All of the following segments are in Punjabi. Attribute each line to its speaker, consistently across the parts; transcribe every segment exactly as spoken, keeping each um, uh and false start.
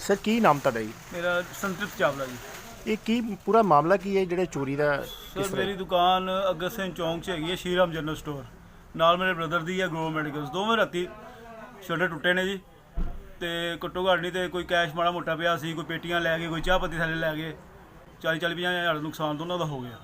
Speaker 1: ਸਰ ਕੀ ਨਾਮ ਤੁਹਾਡਾ ਜੀ?
Speaker 2: ਮੇਰਾ ਸੰਤ੍ਰਿਪਤ ਚਾਵਲਾ ਜੀ।
Speaker 1: ਇਹ ਕੀ ਪੂਰਾ ਮਾਮਲਾ ਕੀ ਹੈ ਜਿਹੜੇ ਚੋਰੀ ਦਾ?
Speaker 2: ਸਰ ਮੇਰੀ ਦੁਕਾਨ ਅਗਸਤ ਸਿੰਘ ਚੌਂਕ 'ਚ ਹੈਗੀ ਹੈ, ਸ਼ੀਰਾਮ ਜਨਰਲ ਸਟੋਰ। ਨਾਲ ਮੇਰੇ ਬ੍ਰਦਰ ਦੀ ਹੈ ਗਰੋਵ ਮੈਡੀਕਲਸ। ਦੋਵੇਂ ਰਾਤੀ ਸ਼ਟਰ ਟੁੱਟੇ ਨੇ ਜੀ, ਤੇ ਘੱਟੋ ਘੱਟ ਨਹੀਂ ਤੇ ਕੋਈ ਕੈਸ਼ ਮਾੜਾ ਮੋਟਾ ਪਿਆ ਸੀ, ਕੋਈ ਪੇਟੀਆਂ ਲੈ ਗਏ, ਕੋਈ ਚਾਹ ਪੱਤੀ ਥੱਲੇ ਲੈ ਗਏ। ਚਾਲੀ ਚਾਲੀ ਪੰਜਾਹ ਹਜ਼ਾਰ ਦਾ ਨੁਕਸਾਨ ਦੋਨਾਂ ਦਾ ਹੋ ਗਿਆ।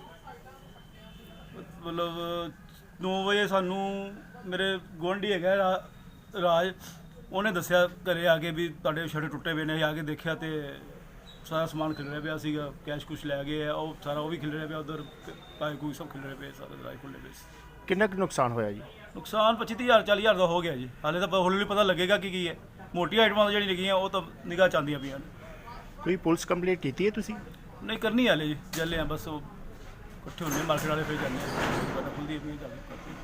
Speaker 2: ਮਤਲਬ ਨੌ ਵਜੇ ਸਾਨੂੰ ਮੇਰੇ ਗੁਆਂਢੀ ਹੈਗਾ ਰਾ- ਰਾਜ, ਉਹਨੇ ਦੱਸਿਆ ਘਰੇ ਆ ਕੇ ਵੀ ਤੁਹਾਡੇ ਸ਼ਟਰ ਟੁੱਟੇ ਪਏ ਨੇ। ਅਸੀਂ ਆ ਕੇ ਦੇਖਿਆ ਤੇ ਸਾਰਾ ਸਮਾਨ ਖਿਲਰਿਆ ਪਿਆ ਸੀਗਾ, ਕੈਸ਼ ਕੁਛ ਲੈ ਗਏ ਆ, ਉਹ ਸਾਰਾ ਉਹ ਵੀ ਖਿਲਰਿਆ ਪਿਆ, ਉਧਰ ਪਾਏ ਕੋਈ ਸਭ ਖਿਲਰੇ ਪਏ, ਸਾਰੇ ਦਰਾਜ ਖੁੱਲੇ ਪਏ ਸੀ।
Speaker 1: ਕਿੰਨਾ ਕੁ ਨੁਕਸਾਨ ਹੋਇਆ ਜੀ?
Speaker 2: ਨੁਕਸਾਨ ਪੱਚੀ ਤੀਹ ਹਜ਼ਾਰ ਚਾਲੀ ਹਜ਼ਾਰ ਦਾ ਹੋ ਗਿਆ ਜੀ। ਹਾਲੇ ਤਾਂ ਹੌਲੀ ਹੌਲੀ ਪਤਾ ਲੱਗੇਗਾ ਕਿ ਕੀ ਹੈ। ਮੋਟੀਆਂ ਆਈਟਮਾਂ ਜਿਹੜੀਆਂ ਲੱਗੀਆਂ ਉਹ ਤਾਂ ਨਿਗਾਹ ਚ ਆਉਂਦੀਆਂ ਪਈਆਂ ਨੇ।
Speaker 1: ਕੋਈ ਪੁਲਿਸ ਕੰਪਲੇਂਟ ਕੀਤੀ ਹੈ ਤੁਸੀਂ?
Speaker 2: ਨਹੀਂ ਕਰਨੀ ਹਾਲੇ ਜੀ, ਚੱਲੇ ਆ ਬਸ। ਉਹ ਇਕੱਠੇ ਹੁੰਦੇ ਮਾਰਕੀਟ ਵਾਲੇ, ਫਿਰ ਜਾਂਦੇ ਆ ਖੁੱਲਦੀ ਹੈ ਜਾ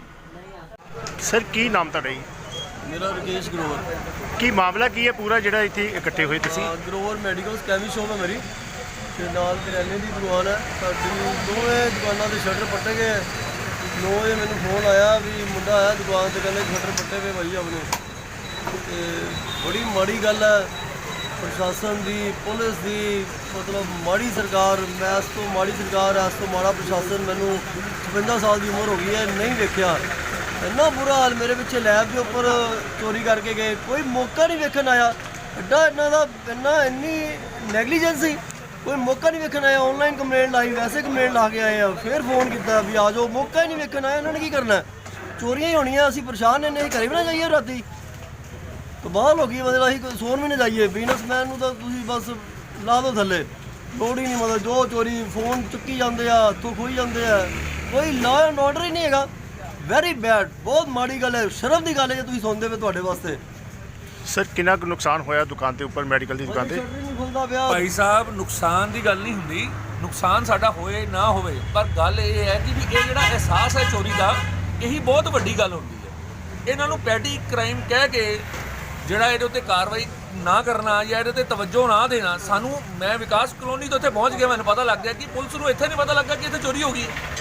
Speaker 2: ਕੇ।
Speaker 1: ਸਰ ਕੀ ਨਾਮ ਤੁਹਾਡਾ ਜੀ?
Speaker 3: ਮੇਰਾ ਰਕੇਸ਼ ਗਰੋਵਰ।
Speaker 1: ਕੀ ਮਾਮਲਾ ਕੀ ਹੈ ਪੂਰਾ ਜਿਹੜਾ ਇੱਥੇ ਇਕੱਠੇ ਹੋਏ ਤੁਸੀਂ?
Speaker 3: ਹਾਂ, ਗਰੋਵਰ ਮੈਡੀਕਲਸ ਕੈਮੀ ਸ਼ੋਪ ਹੈ ਮੇਰੀ, ਤੇ ਨਾਲ ਕਰਿਆਨੇ ਦੀ ਦੁਕਾਨ ਹੈ ਸਾਡੀ। ਦੋਵੇਂ ਦੁਕਾਨਾਂ ਦੇ ਸ਼ਟਰ ਪੱਟੇ ਗਏ। ਨੌ ਵਜੇ ਮੈਨੂੰ ਫੋਨ ਆਇਆ ਵੀ ਮੁੰਡਾ ਆਇਆ ਦੁਕਾਨ ਤੇ, ਕਹਿੰਦੇ ਸ਼ਟਰ ਪੱਟੇ ਪਏ ਭਾਈ ਆਪਣੇ। ਤੇ ਬੜੀ ਮਾੜੀ ਗੱਲ ਹੈ ਪ੍ਰਸ਼ਾਸਨ ਦੀ, ਪੁਲਿਸ ਦੀ, ਮਤਲਬ ਮਾੜੀ ਸਰਕਾਰ। ਮੈਂ ਇਸ ਤੋਂ ਮਾੜੀ ਸਰਕਾਰ, ਇਸ ਤੋਂ ਮਾੜਾ ਪ੍ਰਸ਼ਾਸਨ ਮੈਨੂੰ ਛਪੰਜਾ ਸਾਲ ਦੀ ਉਮਰ ਹੋ ਗਈ ਹੈ, ਨਹੀਂ ਵੇਖਿਆ। ਇੰਨਾ ਬੁਰਾ ਹਾਲ। ਮੇਰੇ ਪਿੱਛੇ ਲੈਬ ਦੇ ਉੱਪਰ ਚੋਰੀ ਕਰਕੇ ਗਏ, ਕੋਈ ਮੌਕਾ ਨਹੀਂ ਵੇਖਣ ਆਇਆ। ਐਡਾ ਇਹਨਾਂ ਦਾ ਇੰਨਾ ਇੰਨੀ ਨੈਗਲੀਜੈਂਸੀ, ਕੋਈ ਮੌਕਾ ਨਹੀਂ ਵੇਖਣ ਆਇਆ। ਆਨਲਾਈਨ ਕੰਪਲੇਂਟ ਲਾਈ, ਵੈਸੇ ਕੰਪਲੇਂਟ ਲਾ ਕੇ ਆਏ ਆ, ਫਿਰ ਫੋਨ ਕੀਤਾ ਵੀ ਆ ਜਾਓ, ਮੌਕਾ ਹੀ ਨਹੀਂ ਵੇਖਣ ਆਇਆ। ਇਹਨਾਂ ਨੇ ਕੀ ਕਰਨਾ? ਚੋਰੀਆਂ ਹੀ ਹੋਣੀਆਂ। ਅਸੀਂ ਪਰੇਸ਼ਾਨ ਨੇ, ਅਸੀਂ ਘਰੇ ਵੀ ਨਾ ਜਾਈਏ ਰਾਤੀ, ਕਮਾਲ ਹੋ ਗਈ। ਮਤਲਬ ਅਸੀਂ ਸੌਣ ਵੀ ਨਾ ਜਾਈਏ। ਬਿਜ਼ਨਸਮੈਨ ਨੂੰ ਤਾਂ ਤੁਸੀਂ ਬਸ ਲਾ ਦਿਓ ਥੱਲੇ, ਲੋੜ ਹੀ ਨਹੀਂ। ਮਤਲਬ ਜੋ ਚੋਰੀ ਫੋਨ ਚੁੱਕੀ ਜਾਂਦੇ ਆ, ਹੱਥੋਂ ਖੋਈ ਜਾਂਦੇ ਆ, ਕੋਈ ਲਾਅ ਐਂਡ ਆਰਡਰ ਹੀ ਨਹੀਂ ਹੈਗਾ। ਵੈਰੀ ਬੈਡ, ਬਹੁਤ ਮਾੜੀ ਗੱਲ ਹੈ। ਸ਼ਰਮ ਦੀ ਗੱਲ ਹੈ ਜੇ ਤੁਸੀਂ ਸੁਣਦੇ ਪਏ ਤੁਹਾਡੇ ਵਾਸਤੇ।
Speaker 1: ਸਰ ਕਿੰਨਾ ਕੁ ਨੁਕਸਾਨ ਹੋਇਆ ਦੁਕਾਨ ਦੇ ਉੱਪਰ, ਮੈਡੀਕਲ ਦੀ ਦੁਕਾਨ ਤੇ?
Speaker 3: ਸ਼ਟਰ ਨਹੀਂ ਖੁੱਲਦਾ ਪਿਆ
Speaker 4: ਭਾਈ ਸਾਹਿਬ, ਨੁਕਸਾਨ ਦੀ ਗੱਲ ਨਹੀਂ ਹੁੰਦੀ, ਨੁਕਸਾਨ ਸਾਡਾ ਹੋਏ ਨਾ ਹੋਵੇ, ਪਰ ਗੱਲ ਇਹ ਹੈ ਕਿ ਵੀ ਇਹ ਜਿਹੜਾ ਅਹਿਸਾਸ ਹੈ ਚੋਰੀ ਦਾ, ਇਹੀ ਬਹੁਤ ਵੱਡੀ ਗੱਲ ਹੁੰਦੀ ਹੈ। ਇਹਨਾਂ ਨੂੰ ਪੈਟੀ ਕ੍ਰਾਈਮ ਕਹਿ ਕੇ ਜਿਹੜਾ ਇਹਦੇ ਉੱਤੇ ਕਾਰਵਾਈ ਨਾ ਕਰਨਾ ਜਾਂ ਇਹਦੇ ਉੱਤੇ ਤਵੱਜੋ ਨਾ ਦੇਣਾ। ਸਾਨੂੰ, ਮੈਂ ਵਿਕਾਸ ਕਲੋਨੀ ਤੋਂ ਇੱਥੇ ਪਹੁੰਚ ਗਿਆ, ਮੈਨੂੰ ਪਤਾ ਲੱਗ ਗਿਆ ਕਿ ਪੁਲਿਸ ਨੂੰ ਇੱਥੇ ਨਹੀਂ ਪਤਾ ਲੱਗਾ ਕਿ ਇੱਥੇ ਚੋਰੀ ਹੋ ਗਈ ਹੈ।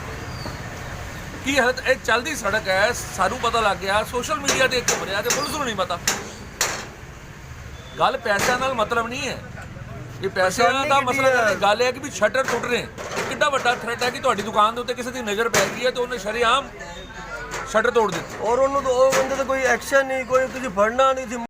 Speaker 4: ਕੀ ਹਾਲਤ, ਇਹ ਚੱਲਦੀ ਸੜਕ ਹੈ, ਸਾਨੂੰ ਪਤਾ ਲੱਗ ਗਿਆ, ਸੋਸ਼ਲ ਮੀਡੀਆ ਤੇ ਖਬਰਿਆ, ਤੇ ਪੁਲਿਸ ਨੂੰ ਨਹੀਂ ਪਤਾ। ਗੱਲ ਪੈਸਿਆਂ ਨਾਲ ਮਤਲਬ ਨਹੀਂ ਹੈ, ਇਹ ਪੈਸਿਆਂ ਦਾ ਮਸਲਾ ਨਹੀਂ। ਗੱਲ ਇਹ ਹੈ ਕਿ ਵੀ ਸ਼ਟਰ ਟੁੱਟ ਰਹੇ, ਕਿੱਡਾ ਵੱਡਾ ਥ੍ਰੈਟ ਹੈ ਕਿ ਤੁਹਾਡੀ ਦੁਕਾਨ ਦੇ ਉੱਤੇ ਕਿਸੇ ਦੀ ਨਜ਼ਰ ਪੈ ਗਈ ਹੈ ਤੇ ਉਹਨੇ ਸ਼ਰੇਆਮ ਸ਼ਟਰ ਤੋੜ ਦਿੱਤੀ,
Speaker 3: ਔਰ ਉਹਨੂੰ ਤਾਂ ਉਹ ਬੰਦੇ ਤਾਂ ਕੋਈ ਐਕਸ਼ਨ ਨਹੀਂ, ਕੋਈ ਤੁਸੀਂ ਫੜਨਾ ਨਹੀਂ ਸੀ।